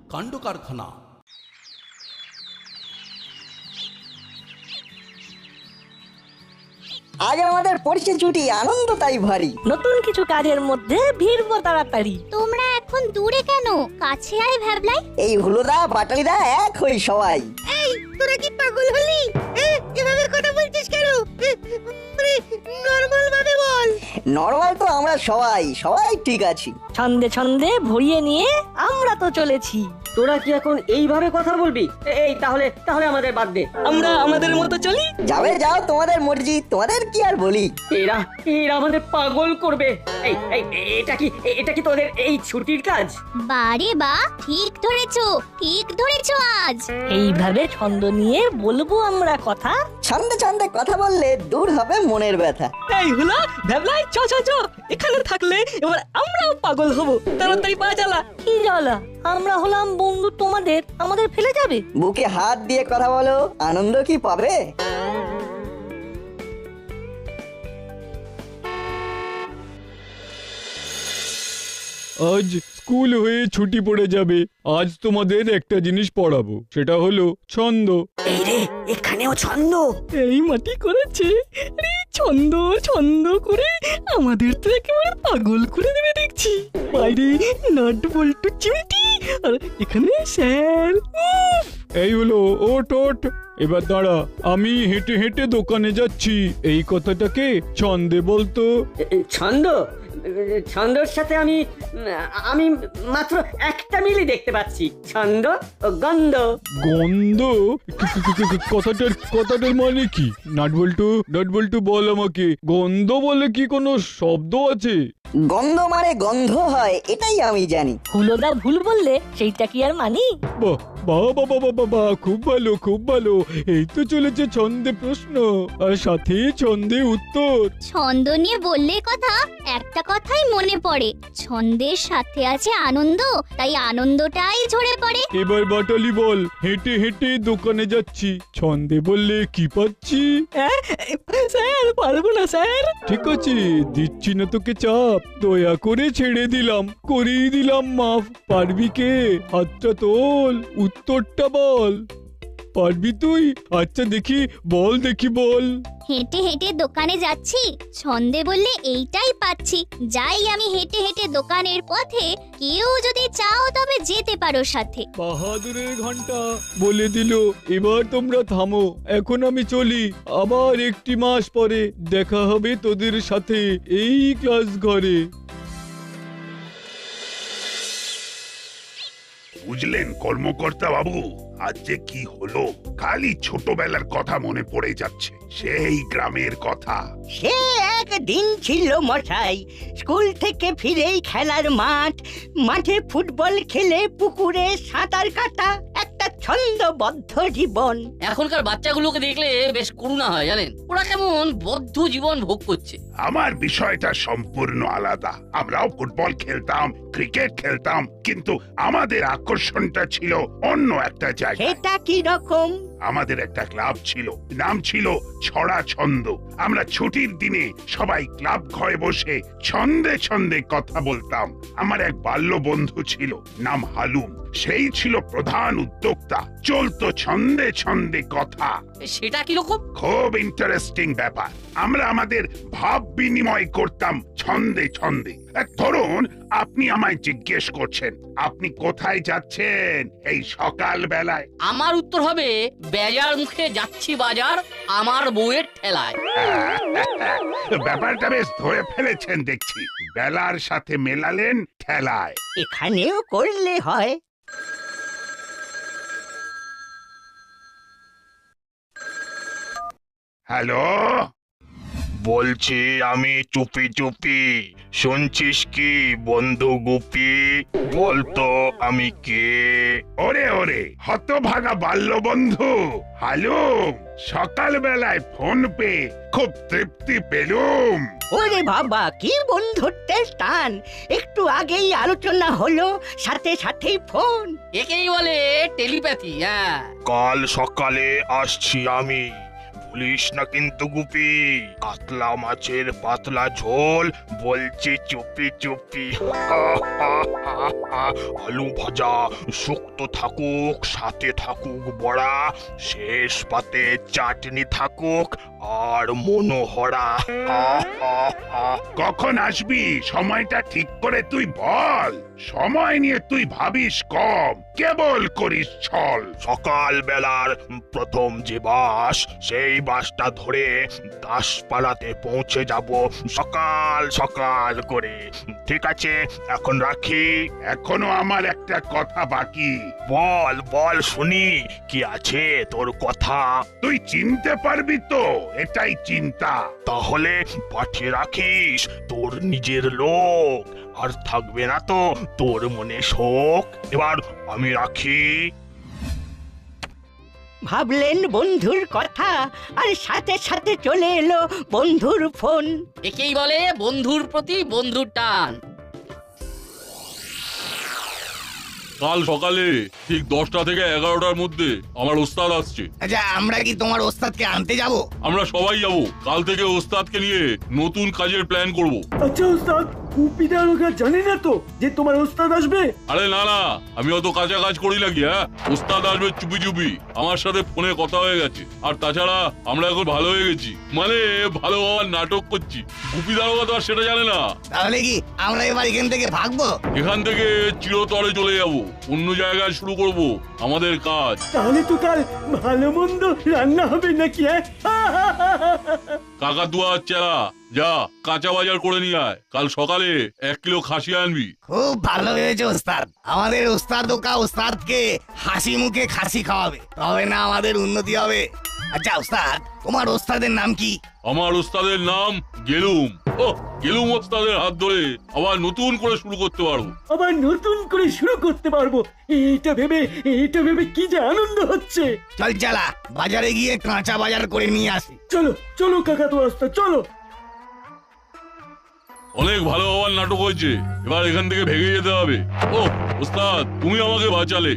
কাণ্ড কারখানা। আজ আমাদের পরিচয় ছুটি, আনন্দ তাই ভারী। নতুন কিছু কাজের মধ্যে ভিড়বো তাড়াতাড়ি। তোমরা এখন দূরে কেন? কাছে আয় ভ্যাবলাই। এই হুলোদা বাটালিদা এক হই সবাই। তোরা কি পাগল হলি? এভাবে কথা বলছিস কেন? নরমাল ভাবে বল। নরমাল তো আমরা সবাই সবাই ঠিক আছি। ছন্দে ছন্দে ভরিয়ে নিয়ে আমরা তো চলেছি। তোরা কি এখন এইভাবে কথা বলবি? এই তাহলে তাহলে আমাদের বাদ দে, আমরা আমাদের মতো চলি। যাবে যাও, তোমাদের মর্জি, তোমাদের কি আর বলি। এরা এরা আমাদের পাগল করবে। এই এই এটা কি তোদের এই ছুটির কাজ? বারে বা, ঠিক ধরেছো, ঠিক ধরেছো আজ। এইভাবে ছন্দ নিয়ে বলবো আমরা কথা। ছন্দে ছন্দে কথা বললে দূর হবে মনের ব্যথা। এই হলো ভ্যাবলাই, চ চ চ, এখানে থাকলে এবার আমরাও পাগল হব। তাড়াতাড়ি পা চালা। কি জ্বালা, আমরা হলাম বন্ধু তোমাদের, আমাদের ফেলে যাবে? বুকে হাত দিয়ে কথা বলো, আনন্দ কি পাবে? আজ স্কুল হয়ে ছুটি পড়ে যাবে। আজ তোমাদের একটা জিনিস পড়াবো, সেটা হলো ছন্দ। এই রে, এখানেও ছন্দ। এই মাটি করেছে রে, ছন্দ ছন্দ করে আমাদের তো একেবারে পাগল করে দেবে দেখছি। বাইরে নাট বল্টু চিমটি, আর এখানে স্যার। এই হলো, ওট ওট, এবার দাঁড়া, আমি হেঁটে হেঁটে দোকানে যাচ্ছি, এই কথাটাকে ছন্দে বলতো। ছন্দ, ছন্দর সাথে আমি আমি মাত্র একটা মিলই দেখতে পাচ্ছি, ছন্দ ও গন্ধ। গন্ধ? কথাটার মানে কি? নাটবল্টু বল আমাকে, গন্ধ বলে কি কোনো শব্দ আছে? গন্ধ মানে গন্ধ হয়, এটাই আমি জানি। হুলোদা ভুল বললে সেইটা কি আর মানি? বাহ বাহ বাহ বাহ বাহ বাহ, খুব ভালো খুব ভালো। এই তো চলেছে ছন্দে প্রশ্ন, আর সাথে ছন্দে উত্তর। ছন্দ নিয়ে বললে কথা, একটা কথাই মনে পড়ে, ছন্দের সাথে আছে আনন্দ, তাই আনন্দটাই ঝরে পড়ে। এবার বাটালি বল, হেঁটে হেঁটে দোকানে যাচ্ছি, ছন্দে বললে কি পাচ্ছি? স্যার পারবো না স্যার। ঠিক আছে, দিচ্ছি না তোকে চাপ, দয়া করে ছেড়ে দিলাম, করেই দিলাম মাফ। পারবি কে? হাতটা তোল, উত্তরটা বল। পারবি তুই? আচ্ছা দেখি বল, বল। হেঁটে হেঁটে দোকানে যাচ্ছি, ছন্দে বললে এইটাই পাচ্ছি, যাই আমি হেঁটে হেঁটে দোকানের পথে, কেউ যদি চাও তবে যেতে পারো সাথে। বাহাদুরের ঘন্টা বলে দিল। এবার তোমরা থামো, এখন আমি চলি, আবার একটি মাস পরে দেখা হবে তোদের সাথে এই ক্লাস ঘরে। বুঝলেন কর্মকর্তা বাবু, আজ যে কি হলো, খালি ছোটবেলার কথা মনে পড়ে যাচ্ছে, সেই গ্রামের কথা। সে একদিন ছিল মশাই, স্কুল থেকে ফিরেই খেলার মাঠে ফুটবল খেলে, পুকুরে সাঁতার কাটা, একটা ছন্দবদ্ধ জীবন। এখনকার বাচ্চাগুলোকে দেখলে বেশ করুণা হয় জানেন, ওরা কেমন বদ্ধ জীবন ভোগ করছে। আমার বিষয়টা সম্পূর্ণ আলাদা। আমরাও ফুটবল খেলতাম, ক্রিকেট খেলতাম, কিন্তু আমাদের আকর্ষণটা ছিল অন্য একটা জায়গায়। সেটা কি রকম? আমাদের একটা ক্লাব ছিল, নাম ছিল ছড়া ছন্দ। আমরা ছুটির দিনে সবাই ক্লাব ঘরে বসে ছন্দে ছন্দে কথা বলতাম। আমার এক বাল্য বন্ধু ছিল, নাম হালুম, সেই ছিল প্রধান উদ্যোক্তা। চলতো ছন্দে ছন্দে কথা। সেটা কিরকম? খুব ইন্টারেস্টিং ব্যাপার। আমরা আমাদের ভাব বিনিময় করতাম ছন্দে ছন্দে। ধরুন, আপনি আমায় জিজ্ঞেস করছেন আপনি কোথায় যাচ্ছেন এই সকাল বেলায়, আমার উত্তর হবে বেজার মুখে যাচ্ছি বাজার, আমার বউয়ের ঠেলায়। ব্যাপারটা বেশ ধরে ফেলেছেন দেখছি, বেলার সাথে মেলালেন ঠেলায়। এখানেও করলে হয়। হ্যালো, বলছি আমি চুপি চুপি, শুনছিস কি বন্ধু গুপি? বলতো আমি কে? ওরে ওরে হতভাগা বাল্য বন্ধু হালুম, সকাল বেলায় ফোন পেয়ে খুব তৃপ্তি পেলুম। ওরে বাবা, কি বন্ধুত্বের টান! একটু আগেই আলোচনা হলো, সাথে সাথেই ফোন। একেই বলে টেলিপ্যাথি। হ্যাঁ, কাল সকালে আসছি আমি, ভুলিস না কিন্তু গুপি, কাতলা মাছের পাতলা ঝোল, বলছি চুপি চুপি। আলু ভাজা শুক্তো থাকুক, সাথে থাকুক বড়া, শেষ পাতে চাটনি থাকুক আর মনোহরা। কখন আসবি সময়টা ঠিক করে তুই বল। সময় নিয়ে তুই ভাবিস কম, কেবল করিস ছল। সকাল বেলার প্রথম যে বাস, সেই বাসটা ধরে দাসপাড়াতে পৌঁছে যাব সকাল সকাল করে। ঠিক আছে, এখন রাখি। এখনো আমার একটা কথা বাকি। বল বল শুনি, কি আছে তোর কথা? তুই চিনতে পারবি তো, এটাই চিন্তা। তাহলে পাঠিয়ে রাখিস তোর নিজের লোক, আর থাকবে না তো তোর মনে শোক। এবার আমি রাখি। ভাবলেন বন্ধুর কথা, আর সাথে সাথে চলে এলো বন্ধুর ফোন। একেই বলে বন্ধুর প্রতি বন্ধুর টান। কাল সকালে ঠিক 10টা থেকে 11টার মধ্যে আমার ওস্তাদ আসছে। আচ্ছা, আমরা কি তোমার ওস্তাদকে আনতে যাব? আমরা সবাই যাব। কাল থেকে ওস্তাদকে নিয়ে নতুন কাজের প্ল্যান করব। আচ্ছা ওস্তাদ, কুপিদার ওরা জানে না তো যে তোমার ওস্তাদ আসবে? আরে না না, আমি অত কাঁচা কাজ করি নাকি? হ্যাঁ, ওস্তাদ আসবে চুপি চুপি, আমার সাথে ফোনে কথা হয়ে গেছে। আর তাছাড়া আমরা এখন ভালো হয়ে গেছি, মানে ভালো হওয়ার নাটক করছি। গুপিদার কথা আর সেটা জানে না। তাহলে কি আমরা এবার এখান থেকে ভাগবো? এখান থেকে চিরতরে চলে যাব, অন্য জায়গায় শুরু করব আমাদের কাজ। তাহলে তো কাল ভালো মন্দ রান্না হবে নাকি? কাকাতুয়া চেলা, যা কাঁচা বাজার করে নিয়ে আয়। কাল সকালে 1 কিলো খাসি আনবি। খুব ভালো হয়েছে ওস্তাদ। আমাদের ওস্তাদ ওকা ওস্তাদকে হাসি মুখে খাসি খাওয়াবে, তবে না আমাদের উন্নতি হবে। আচ্ছা ওস্তাদ, তোমার ওস্তাদের নাম কি? আমার ওস্তাদের নাম গেলুম। ও, গেলুম ওস্তাদের হাত ধরে আবার নতুন করে শুরু করতে পারবো। আবার নতুন করে শুরু করতে পারবো, এটা ভেবে কি যে আনন্দ হচ্ছে। চল চালা, বাজারে গিয়ে কাঁচা বাজার করে নিয়ে আসি। চলো চলো কাকা তো ওস্তাদ, চলো। অনেক ভালো হওয়ার নাটক হয়েছে, এবার এখান থেকে ভেগে যেতে হবে। ও ওস্তাদ, তুমি আমাকে বাঁচালে।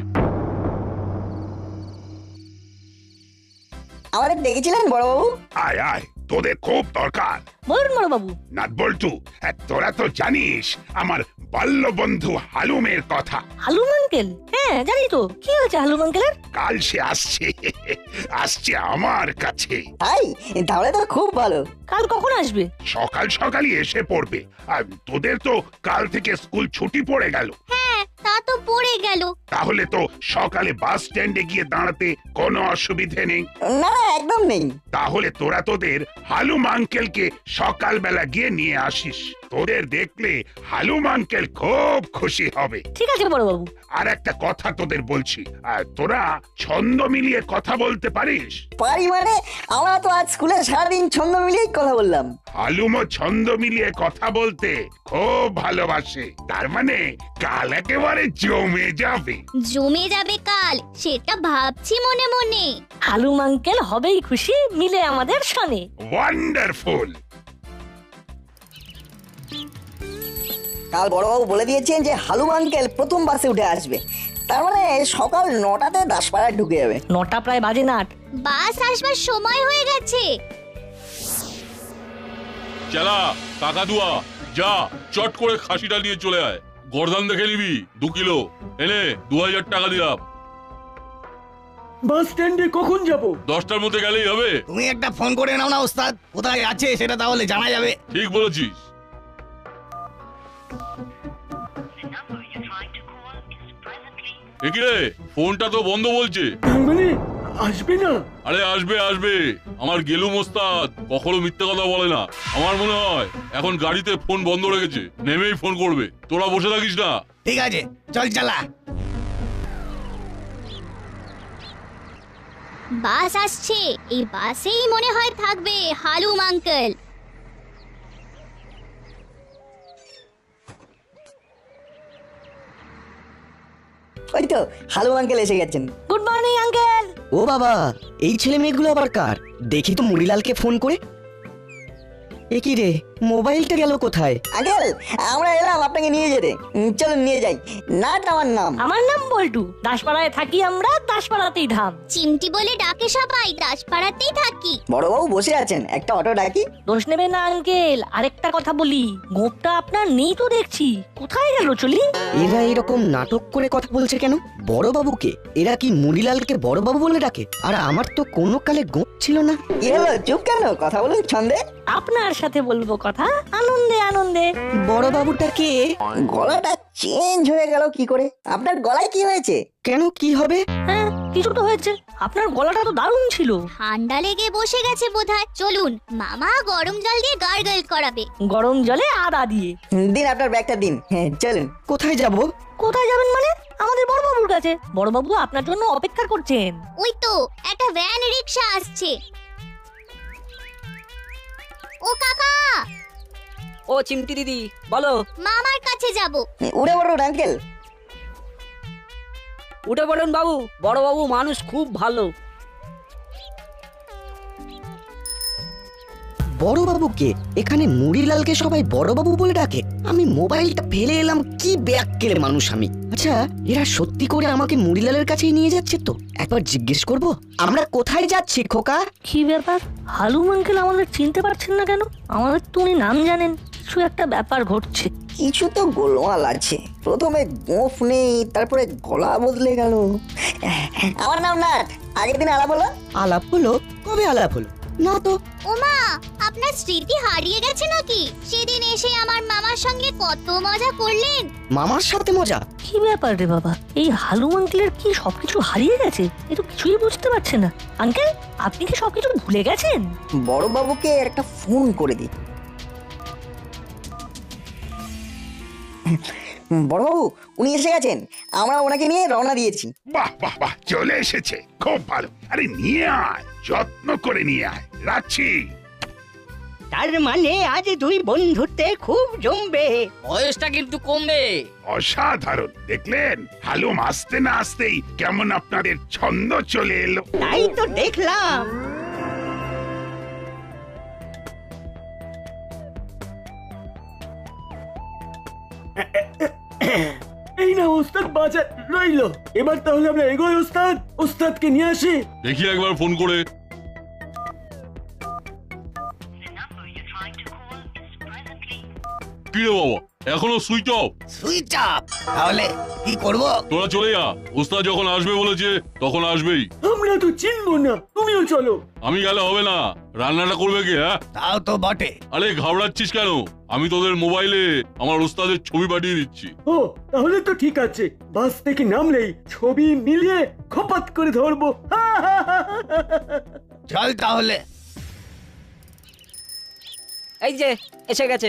আমাদের ডেকেছিলেন বড়বাবু? আয় আয়, তোদের খুব দরকার। বলুন বড় বাবু। নাট বল্টু, তোরা তো জানিস আমার বাল্য বন্ধু হালুমের কথা। হালুম আঙ্কেল? হ্যাঁ জানি তো। কি হয়েছে হালুম আঙ্কেলের? কাল সে আসছে আমার কাছে। তাই? তাহলে তো খুব ভালো। কাল কখন আসবে? সকাল সকালই এসে পড়বে। আর তোদের তো কাল থেকে স্কুল ছুটি পড়ে গেল। হ্যাঁ, তা তো পড়ে গেল। তাহলে তো সকালে বাস স্ট্যান্ডে গিয়ে দাঁড়াতে কোনো অসুবিধে নেই। না না, একদম নেই। তাহলে তোরা তোদের হালুম আঙ্কেলকে সকালবেলা গিয়ে নিয়ে আসিস। তোদের দেখলে হালুম আঙ্কেল খুব খুশি হবে। ঠিক আছে বড় বাবু। আর একটা কথা তোদের বলছি, তোরা ছন্দ মিলিয়ে কথা বলতে পারিস? পারি মানে? আমরা তো আজ স্কুলে সারাদিন ছন্দ মিলিয়েই কথা বললাম। হালুমও ছন্দ মিলিয়ে কথা বলতে খুব ভালোবাসে। তার মানে কাল একেবারে জমে যাবে। জমে যাবে কাল, সেটা ভাবছি মনে মনে। হালুম আঙ্কেল হবেই খুশি, মিলে আমাদের শোনে। ওয়ান্ডারফুল। কাল বড়বাবু বলে দিয়েছেন যে হালুম আঙ্কেল প্রথম বাসে উঠে আসবে। তার মানে সকাল 9টাতে দাসপাড়ায় ঢুকে যাবে। 9টা প্রায় বাজে না। বাস আসবার সময় হয়ে গেছে। চেলা, কাকাতুয়া, যা চট করে খাসিটা নিয়ে চলে আয়। গর্দান দেখে নিবি 2 কিলো, এনে 2000 টাকা দিলাম। বাস স্ট্যান্ডে কখন যাব? 10টার মধ্যে গেলেই হবে। তুমি একটা ফোন করে নাও না ওস্তাদ, কোথায় আছে সেটা তাহলে জানা যাবে। ঠিক বলেছিস। একিরে, ফোনটা তো বন্ধ বলছে। তার মানে আসবে না? আরে আসবে আসবে, আমার গেলুম ওস্তাদ কখনো মিথ্যে কথা বলে না। আমার মনে হয় এখন গাড়িতে ফোন বন্ধ রেখেছে, নেমেই ফোন করবে। তোরা বসে থাকিস না। ঠিক আছে, চল চালা। বাস আসছে, এই বাসেই মনে হয় থাকবে হালুম আঙ্কেল। ওই তো হালুম আঙ্কেল এসে গেছেন। Good morning uncle. ও বাবা, এই ছেলে মেয়েগুলো আবার কার? দেখি তো মুড়িলালকে ফোন করে। এ কি রে, মোবাইলটা গেল কোথায়? আঙ্কেল আমরা এলাম আপনাকে নিয়ে যেতে। চলুন নিয়ে যাই। নাট আমার নাম। আমার নাম বল্টু, দাসপাড়ায় থাকি আমরা, দাসপাড়াতেই ধাম। চিমটি বলে ডাকে সবাই, দাসপাড়াতেই থাকি। বড়বাবু বসে আছেন, একটা অটো ডাকি? দোষ নেবে না আঙ্কেল। আরেকটা কথা বলি, গোপটা আপনার নেই তো দেখছি, কোথায় গেল চলি? এরা এরকম নাটক করে কথা বলছে কেন? বড়বাবুকে এরা কি মুড়িলালকে বড়বাবু বলে ডাকে? আর আমার তো কোনো কালে গোপ ছিল না। কি হলো, চুপ কেন? কথা বলুন ছন্দে। আপনার সাথে বলবো কথা, আনন্দে আনন্দে। বড়বাবুটা কে? গলাটা চেঞ্জ হয়ে গেল কি করে? আপনার গলায় কি হয়েছে? কেন, কি হবে? হ্যাঁ কিছু তো হয়েছে, আপনার গলাটা তো দারুণ ছিল। ঠান্ডা লেগে বসে গেছে বোধহয়। চলুন, মামা গরম জল দিয়ে গার্গল করাবে। গরম জলে আদা দিয়ে। দিন আপনার ব্যাগটা দিন। হ্যাঁ চলুন। কোথায় যাব? কোথায় যাবেন মানে? আমাদের বড়বাবুর কাছে। বড়বাবু আপনার জন্য অপেক্ষা করছেন। ওই তো একটা ভ্যান রিক্সা আসছে। ও কাকা, ও চিমটি দিদি বলো। মামার কাছে যাব। উড়ে বড় আঙ্কেল। উঠে পড়ুন বাবু, বড় বাবু মানুষ খুব ভালো। বড়বাবুকে এখানে মুড়িলালকে সবাই বড়বাবু বলে ডাকে? আমি মোবাইলটা ফেলে এলাম, কি ব্যাককেলে মানুষ আমি। আচ্ছা, এরা সত্যি করে আমাকে মুড়িলালের কাছেই নিয়ে যাচ্ছে তো? একবার জিজ্ঞেস করব। আমরা কোথায় যাচ্ছি খোকা? কি ব্যাপার, হালুম আঙ্কেল আমাদের চিনতে পারছেন না কেন? আমাদের তো উনি নাম জানেন। কিছু একটা ব্যাপার ঘটছে। কিছু তো গোলমাল আছে। প্রথমে গোঁফ নেই, তারপরে গলা বদলে গেল। আমার নাম নাট। আগের দিন আলাপ হলো। আলাপ হলো? কবে আলাপ হলো? না তো। ওমা, আপনার স্মৃতি হারিয়ে গেছে নাকি? সেদিন এসে আমার মামার সঙ্গে কত মজা করলেন। মামার সাথে মজা? কি ব্যাপার রে বাবা, এই হালুম আঙ্কেলের কি সবকিছু হারিয়ে গেছে? এ তো কিছুই বুঝতে পারছে না। আঙ্কেল, আপনি কি সবকিছু ভুলে গেছেন? বড়বাবুকে একটা ফোন করে দিই। বড়বাবু উনি এসে গেছেন, আমরা ওনাকে নিয়ে রওনা দিয়েছি। বাহ বাহ বাহ, চলে এসেছে, খুব ভালো। আরে নিয়ে আয়, যত্ন করে নিয়ে আয়। রাখছি। তার মানে আজ দুই বন্ধুতে খুব জমবে। বয়সটা কিন্তু কমবে। অসাধারণ, দেখলেন? হালুম আসতে না আসতেই কেমন আপনাদের ছন্দ চলে এলো। তাই তো দেখলাম। এই না ওস্তাদ, বাজার রইলো। এবার তাহলে আমরা এগোই ওস্তাদ। ওস্তাদকে নিয়ে আসি। দেখি একবার ফোন করে। কি রে বাবা, এখনো সুইচ অফ? Switch off? তাহলে কি করব? তোরা চলে যা, ওস্তাদ যখন আসবে বলেছে তখন আসবেই। আমরা তো চিনবো না, তুমিও চলো। আমি গেলে হবে না, রান্নাটা করবে কে? হ্যাঁ তাও তো বটে। আরে ঘাবড়াচ্ছিস কেন? আমি তোদের মোবাইলে আমার ওস্তাদের ছবি পাঠিয়ে দিচ্ছি। ও তাহলে তো ঠিক আছে। বাস থেকে নামলেই ছবি মিলিয়ে খপাত করে ধরবো। চল তাহলে। এই যে এসে গেছে।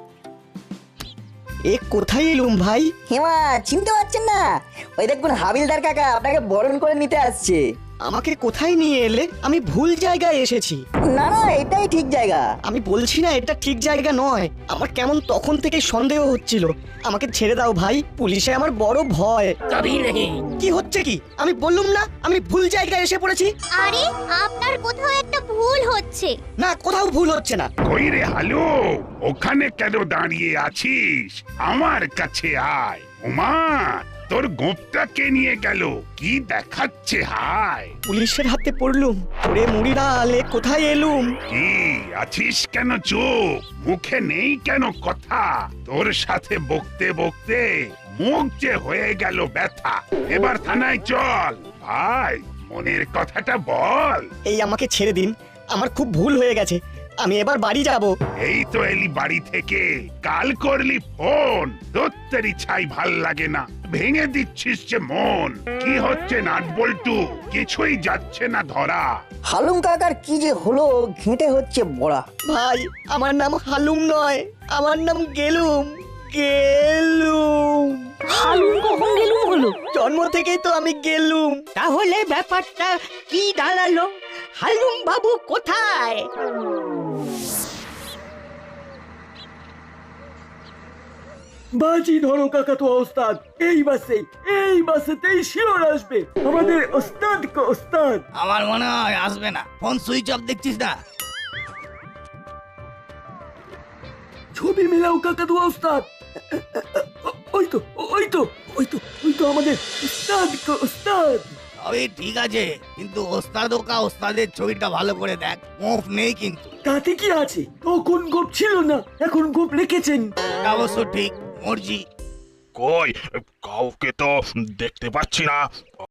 এ কোথায় এলুম ভাই? হেমা, চিনতে পারছেন না? ওই দেখুন হাবিলদার কাকা আপনাকে বরণ করে নিতে আসছে। আমাকে কোথায় নিয়ে এলে? আমি ভুল জায়গায় এসেছি। না না, এটাই ঠিক জায়গা। আমি বলছি না এটা ঠিক জায়গা নয়। আমার কেমন তখন থেকে সন্দেহ হচ্ছিল। আমাকে ছেড়ে দাও ভাই, পুলিশে আমার বড় ভয়। কবি নেই। কি হচ্ছে কি? আমি বললুম না আমি ভুল জায়গায় এসে পড়েছি। আরে আপনার কোথাও একটা ভুল হচ্ছে। না, কোথাও ভুল হচ্ছে না। কই রে হালু, ওখানে কেন দাঁড়িয়ে আছিস? আমার কাছে আয়। ওমা, তোর গোপটা কে নিয়ে গেল? কি দেখাচ্ছে? হায়, পুলিশের হাতে পড়লুম। ওরে মুড়িলাল, এ কোথায় এলুম? কি আছিস কেন চুপ? মুখে নেই কেন কথা? তোর সাথে বকতে বকতে মুখ যে হয়ে গেল ব্যথা। এবার থানায় চল ভাই, মনের কথাটা বল। এই আমাকে ছেড়ে দিন, আমার খুব ভুল হয়ে গেছে। আমি এবার বাড়ি যাব। এই তো এলি বাড়ি থেকে, কাল করলি ফোন। দত্তেরি ছাই ভাল লাগে না, ভেঙে দিচ্ছিস যে মন। কি হচ্ছে নাট বল্টু? কিছুই যাচ্ছে না ধরা। হালুম কাকার কি যে হলো, ঘেঁটে হচ্ছে বড়া। ভাই, আমার নাম হালুম নয়, আমার নাম গেলুম। গেলুম। হালুম কখন গেলুম হলো? জন্ম থেকেই তো আমি গেলুম। তাহলে ব্যাপারটা কি দাঁড়ালো? হালুম বাবু কোথায়? বাজি ধরো কাকা তো ওস্তাদ। এই বাসেতেই শিওর আসবে আমাদের ওস্তাদ। ওস্তাদ আমার মনে হয় আসবে না। ফোন সুইচ অফ দেখছিস না? ছবি মেলাও কাকাতুয়া ওস্তাদ। ওই তো ওই তো ওই তো ওই তো আমাদের ওস্তাদ ওস্তাদ। তবে ঠিক আছে, কিন্তু ওস্তাদ ওকা ওস্তাদের ছবিটা ভালো করে দেখ, মুখ নেই কিন্তু। তাতে কি আছে, তখন গোপ ছিল না, এখন গোপ রেখেছেন। এটা অবশ্য ঠিক, মর্জি। কই কাউকে তো দেখতে পাচ্ছি না।